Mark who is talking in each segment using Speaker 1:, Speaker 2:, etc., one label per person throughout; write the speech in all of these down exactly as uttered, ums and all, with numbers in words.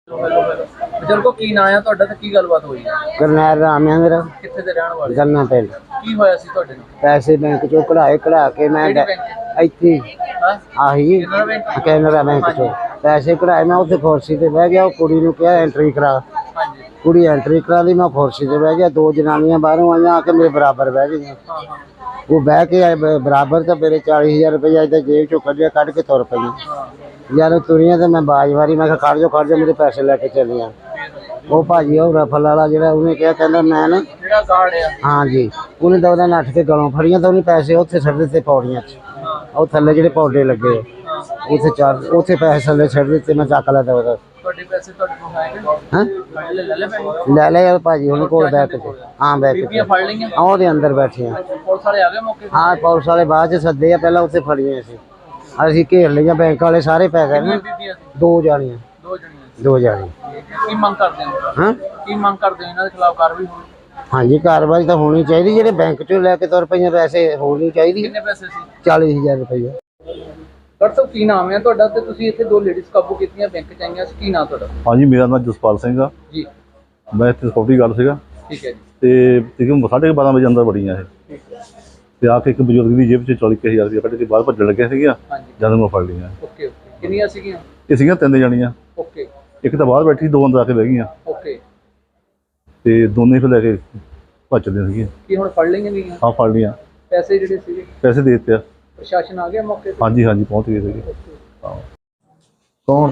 Speaker 1: ਬਜ਼ੁਰਗੋ ਕੀ ਨਾਂ ਆ ਤੁਹਾਡਾ ਤੇ ਕੀ ਗੱਲਬਾਤ ਹੋਈ ਹੈ?
Speaker 2: ਕਰਨੈਲ ਰਾਮ ਹੈ ਮੇਰਾ।
Speaker 1: ਕਿੱਥੇ ਦੇ ਰਹਿਣ ਵਾਲੇ?
Speaker 2: ਗੰਨਾ ਪਿੰਡ।
Speaker 1: ਕੀ ਹੋਇਆ ਸੀ ਤੁਹਾਡੇ ਨਾਲ?
Speaker 2: ਪੈਸੇ ਬੈਂਕ ਚੋਂ ਕਢਾਏ, ਕਢਾ ਕੇ ਮੈਂ ਇੱਥੇ ਆਹੀ ਕੈਨਰਾ ਬੈਂਕ ਚੋਂ ਪੈਸੇ ਕਢਾਏ। ਮੈਂ ਉੱਥੇ ਕੁਰਸੀ ਤੇ ਬਹਿ ਗਿਆ। ਉਹ ਕੁੜੀ ਨੂੰ ਕਿਹਾ ਐਂਟਰੀ ਕਰਾ। ਕੁੜੀ ਐਂਟਰੀ ਕਰਾ ਲਈ। ਮੈਂ ਕੁਰਸੀ ਤੇ ਬਹਿ ਗਿਆ। ਦੋ ਜਨਾਨੀਆਂ ਬਾਹਰੋਂ ਆਈਆਂ ਆ ਕੇ ਮੇਰੇ ਬਰਾਬਰ ਬਹਿ ਗਈਆਂ। ਉਹ ਬਹਿ ਕੇ ਆਏ ਬਰਾਬਰ ਤਾਂ ਮੇਰੇ ਚਾਲੀ ਹਜ਼ਾਰ ਰੁਪਇਆ ਇੱਦਾਂ ਜੇਬ ਚੋਂ ਕੱਢਿਆ, ਕੱਢ ਕੇ ਤੁਰ ਪਈਆਂ। ਯਾਰ ਤੁਰੀਆਂ ਤੇ ਮੈਂ ਬਾਜ ਮਾਰੀ। ਮੈਂ ਕਿਹਾ ਖੜ ਜਾਓ ਖੜ ਜਾਓ, ਮੇਰੇ ਪੈਸੇ ਲੈ ਕੇ ਚੱਲੀਆਂ। ਉਹ ਭਾਜੀ ਉਹ ਰਫਲ ਵਾਲਾ ਜਿਹੜਾ ਉਹਨੇ ਕਿਹਾ, ਕਹਿੰਦਾ ਮੈਂ ਨਾ
Speaker 1: ਜਿਹੜਾ ਗਾਰਡ ਆ
Speaker 2: ਹਾਂਜੀ, ਉਹਨੇ ਤਾਂ ਉਹਦਾ ਨੱਠ ਕੇ ਗਲੋਂ ਫੜੀਆਂ ਤਾਂ ਉਹਨੇ ਪੈਸੇ ਉੱਥੇ ਛੱਡ ਦਿੱਤੇ ਪੌੜੀਆਂ 'ਚ। ਉਹ ਥੱਲੇ ਜਿਹੜੇ ਪੌਡੇ ਲੱਗੇ ਉੱਥੇ ਚਾਰ ਉੱਥੇ ਪੈਸੇ ਥੱਲੇ ਛੱਡ ਦਿੱਤੇ। ਮੈਂ ਚੱਕ ਲਿਆ ਤਾਂ ਉਹਦਾ।
Speaker 1: ਤੁਹਾਡੇ ਪੈਸੇ ਤੁਹਾਡੇ ਕੋਲ ਹੈਗੇ?
Speaker 2: ਹਾਂ
Speaker 1: ਲੈ ਲੈ ਪੈਸੇ
Speaker 2: ਲੈ ਲੈ ਯਾਰ ਭਾਜੀ ਉਹਨੇ ਕੋਲ ਬੈਠ ਕੇ। ਹਾਂ ਬੈਠ ਕੇ
Speaker 1: ਫੜ ਲਈਆਂ।
Speaker 2: ਉਹਦੇ ਅੰਦਰ ਬੈਠੀਆਂ।
Speaker 1: ਪੁਲਿਸ ਵਾਲੇ ਆ ਗਏ ਮੌਕੇ ਤੇ?
Speaker 2: ਹਾਂ ਪੁਲਿਸ ਵਾਲੇ ਬਾਅਦ 'ਚ ਸੱਦੇ ਆ, ਪਹਿਲਾਂ ਉੱਥੇ ਫੜੀਆਂ ਸੀ। ਅਸੀਂ ਘੇਰ ਲਈਆਂ। ਬੈਂਕ ਵਾਲੇ ਸਾਰੇ ਪੈ ਗਏ ਨਾ। ਦੋ ਜਾਣੀਆਂ
Speaker 1: ਦੋ ਜਣੀਆਂ
Speaker 2: ਦੋ ਜਾਣੇ।
Speaker 1: ਕੀ ਮੰਗ ਕਰਦੇ ਹੋ?
Speaker 2: ਹਾਂ ਕੀ
Speaker 1: ਮੰਗ ਕਰਦੇ ਹੋ? ਇਹਨਾਂ ਦੇ ਖਿਲਾਫ ਕਾਰਵਾਈ ਹੋਣੀ?
Speaker 2: ਹਾਂਜੀ ਕਾਰਵਾਈ ਤਾਂ ਹੋਣੀ ਚਾਹੀਦੀ। ਜਿਹੜੇ ਬੈਂਕ ਚੋਂ ਲੈ ਕੇ ਤੁਰ ਪਈਆਂ ਪੈਸੇ ਹੋਣੀ ਚਾਹੀਦੀ।
Speaker 1: ਕਿੰਨੇ ਪੈਸੇ ਸੀ?
Speaker 2: ਚਾਲੀ ਹਜ਼ਾਰ ਰੁਪਇਆ।
Speaker 1: ਡਾਕਟਰ ਸਾਹਿਬ ਕੀ ਨਾਮ ਹੈ ਤੁਹਾਡਾ ਤੇ ਤੁਸੀਂ ਇੱਥੇ ਦੋ ਲੇਡੀਜ਼ ਕਾਬੂ ਕੀਤੀਆਂ ਬੈਂਕ ਚ ਆਈਆਂ ਸੀ, ਕੀ ਨਾਮ ਤੁਹਾਡਾ?
Speaker 3: ਹਾਂਜੀ ਮੇਰਾ ਨਾਮ ਜਸਪਾਲ ਸਿੰਘ ਆ ਜੀ। ਮੈਂ ਇੱਥੇ ਸਕਿਉਰਟੀ ਗਾਰਡ ਸੀਗਾ।
Speaker 1: ਠੀਕ ਹੈ ਜੀ।
Speaker 3: ਤੇ ਤਕਰੀਬਨ ਸਾਢੇ ਬਾਰਾਂ ਵਜੇ ਅੰਦਰ ਵੜੀਆਂ ਇਹ ਤੇ ਆ ਕੇ ਇੱਕ ਬਜ਼ੁਰਗ ਦੀ ਜੇਬ 'ਚ ਚਾਲੀ ਹਜ਼ਾਰ ਰੁਪਇਆ ਕੱਢ ਕੇ ਬਾਹਰ ਭੱਜਣ ਲੱਗਿਆ ਸੀਗਾ। ਜਦ ਮੈਂ ਫੜ ਲਈਆਂ।
Speaker 1: Okay okay. ਕਿੰਨੀਆਂ ਸੀਗੀਆਂ?
Speaker 3: ਇਹ ਸੀਗੀਆਂ ਤਿੰਨ ਜਾਣੀਆਂ।
Speaker 1: ਓਕੇ।
Speaker 3: ਇੱਕ ਤਾਂ ਬਾਹਰ ਬੈਠੀ, ਦੋ ਅੰਦਰ ਆ ਕੇ ਬਹਿ ਗਈਆਂ।
Speaker 1: ਓਕੇ।
Speaker 3: ਤੇ ਦੋਨੇ ਫਿਰ ਲੈ ਕੇ ਭੱਜਦੀਆਂ ਸੀਗੀਆਂ।
Speaker 1: ਕੀ ਹੁਣ ਫੜ ਲਈਆਂ ਗਈਆਂ?
Speaker 3: ਹਾਂ ਫੜ ਲਈਆਂ।
Speaker 1: ਪੈਸੇ ਜਿਹੜੇ ਸੀਗੇ? ਪੈਸੇ
Speaker 3: ਦੇ ਦਿੱਤੇ ਆ।
Speaker 1: ਪ੍ਰਸ਼ਾਸਨ ਆ ਗਿਆ ਮੌਕੇ ਤੇ?
Speaker 3: ਹਾਂਜੀ ਹਾਂਜੀ ਪਹੁੰਚ ਗਏ ਸੀਗੇ।
Speaker 2: ਕੌਣ?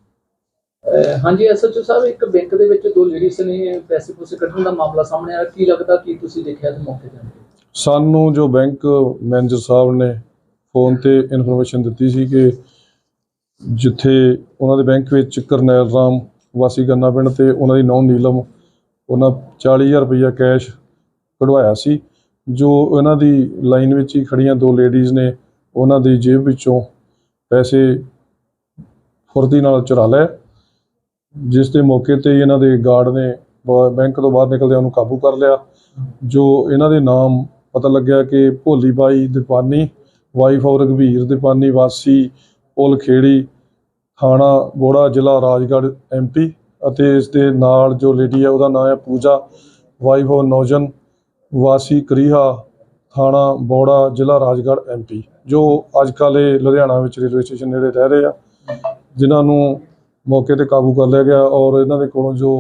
Speaker 1: ਹਾਂਜੀ ਐਸਐਚਓ ਸਾਹਿਬ, ਇੱਕ ਬੈਂਕ ਦੇ ਵਿੱਚ ਦੋ ਲੇਡੀਜ਼ ਨੇ ਪੈਸੇ ਪੂਸੇ ਕੱਢਣ ਦਾ ਮਾਮਲਾ ਸਾਹਮਣੇ ਆਇਆ। ਕੀ ਲੱਗਦਾ ਕੀ ਤੁਸੀਂ ਦੇਖਿਆ ਤੇ ਮੌਕੇ ਤੇ?
Speaker 4: ਸਾਨੂੰ ਜੋ ਬੈਂਕ ਮੈਨੇਜਰ ਸਾਹਿਬ ਨੇ ਫੋਨ ਤੇ ਇਨਫੋਰਮੇਸ਼ਨ ਦਿੱਤੀ ਸੀ ਕਿ ਜਿੱਥੇ ਉਹਨਾਂ ਦੇ ਬੈਂਕ ਵਿੱਚ ਕਰਨੈਲ ਰਾਮ ਵਾਸੀ ਗੰਨਾ ਪਿੰਡ ਤੇ ਉਹਨਾਂ ਦੀ ਨੌਂ ਨੀਲਮ ਉਹਨਾਂ ਚਾਲੀ ਹਜ਼ਾਰ ਰੁਪਈਆ ਕੈਸ਼ ਕਢਵਾਇਆ ਸੀ। ਜੋ ਇਹਨਾਂ ਦੀ ਲਾਈਨ ਵਿੱਚ ਹੀ ਖੜੀਆਂ ਦੋ ਲੇਡੀਜ਼ ਨੇ ਉਹਨਾਂ ਦੀ ਜੇਬ ਵਿੱਚੋਂ ਪੈਸੇ ਫੁਰਤੀ ਨਾਲ ਚੁਰਾ ਲਏ, ਜਿਸ ਦੇ ਮੌਕੇ 'ਤੇ ਇਹਨਾਂ ਦੇ ਗਾਰਡ ਨੇ ਬੈਂਕ ਤੋਂ ਬਾਹਰ ਨਿਕਲਦਿਆਂ ਉਹਨੂੰ ਕਾਬੂ ਕਰ ਲਿਆ। ਜੋ ਇਹਨਾਂ ਦੇ ਨਾਮ ਪਤਾ ਲੱਗਿਆ ਕਿ ਭੋਲੀ ਬਾਈ ਦੀਪਾਨੀ, ਵਾਈਫ ਔਰ ਰਘਵੀਰ ਦੀਪਾਨੀ, ਵਾਸੀ ਪੁਲ ਖੇੜੀ, ਥਾਣਾ ਬੋੜਾ, ਜ਼ਿਲ੍ਹਾ ਰਾਜਗੜ੍ਹ, ਐਮ ਪੀ। ਅਤੇ ਇਸ ਦੇ ਨਾਲ ਜੋ ਲੇਡੀ ਹੈ ਉਹਦਾ ਨਾਮ ਹੈ ਪੂਜਾ, ਵਾਈਫ ਔਰ ਨੌਜਨ, ਵਾਸੀ ਕਰੀਹਾ, ਥਾਣਾ ਬੋੜਾ, ਜ਼ਿਲ੍ਹਾ ਰਾਜਗੜ੍ਹ, ਐਮ ਪੀ। ਜੋ ਅੱਜ ਕੱਲ੍ਹ ਇਹ ਲੁਧਿਆਣਾ ਵਿੱਚ ਰੇਲਵੇ ਸਟੇਸ਼ਨ ਨੇੜੇ ਰਹਿ ਰਹੇ ਆ, ਜਿਨ੍ਹਾਂ ਨੂੰ ਮੌਕੇ 'ਤੇ ਕਾਬੂ ਕਰ ਲਿਆ ਗਿਆ। ਔਰ ਇਹਨਾਂ ਦੇ ਕੋਲੋਂ ਜੋ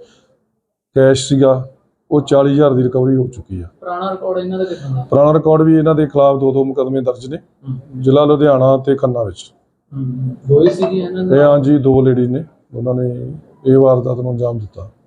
Speaker 4: ਕੈਸ਼ ਸੀਗਾ ਉਹ ਚਾਲੀ ਹਜ਼ਾਰ ਦੀ ਰਿਕਵਰੀ ਹੋ ਚੁੱਕੀ ਆ।
Speaker 1: ਪੁਰਾਣਾ ਰਿਕਾਰਡ ਇਹਨਾਂ ਦਾ ਕਿੱਥੋਂ ਦਾ?
Speaker 4: ਪੁਰਾਣਾ ਰਿਕਾਰਡ ਵੀ ਇਹਨਾਂ ਦੇ ਖਿਲਾਫ ਦੋ ਦੋ ਮੁਕੱਦਮੇ ਦਰਜ ਨੇ, ਜ਼ਿਲ੍ਹਾ ਲੁਧਿਆਣਾ ਤੇ ਖੰਨਾ ਵਿੱਚ।
Speaker 1: ਦੋ ਹੀ ਸੀਗੀਆਂ ਇਹਨਾਂ ਦੇ?
Speaker 4: ਹਾਂਜੀ ਦੋ ਲੇਡੀ ਨੇ, ਉਹਨਾਂ ਨੇ ਇਹ ਵਾਰਦਾਤ ਨੂੰ ਅੰਜਾਮ ਦਿੱਤਾ।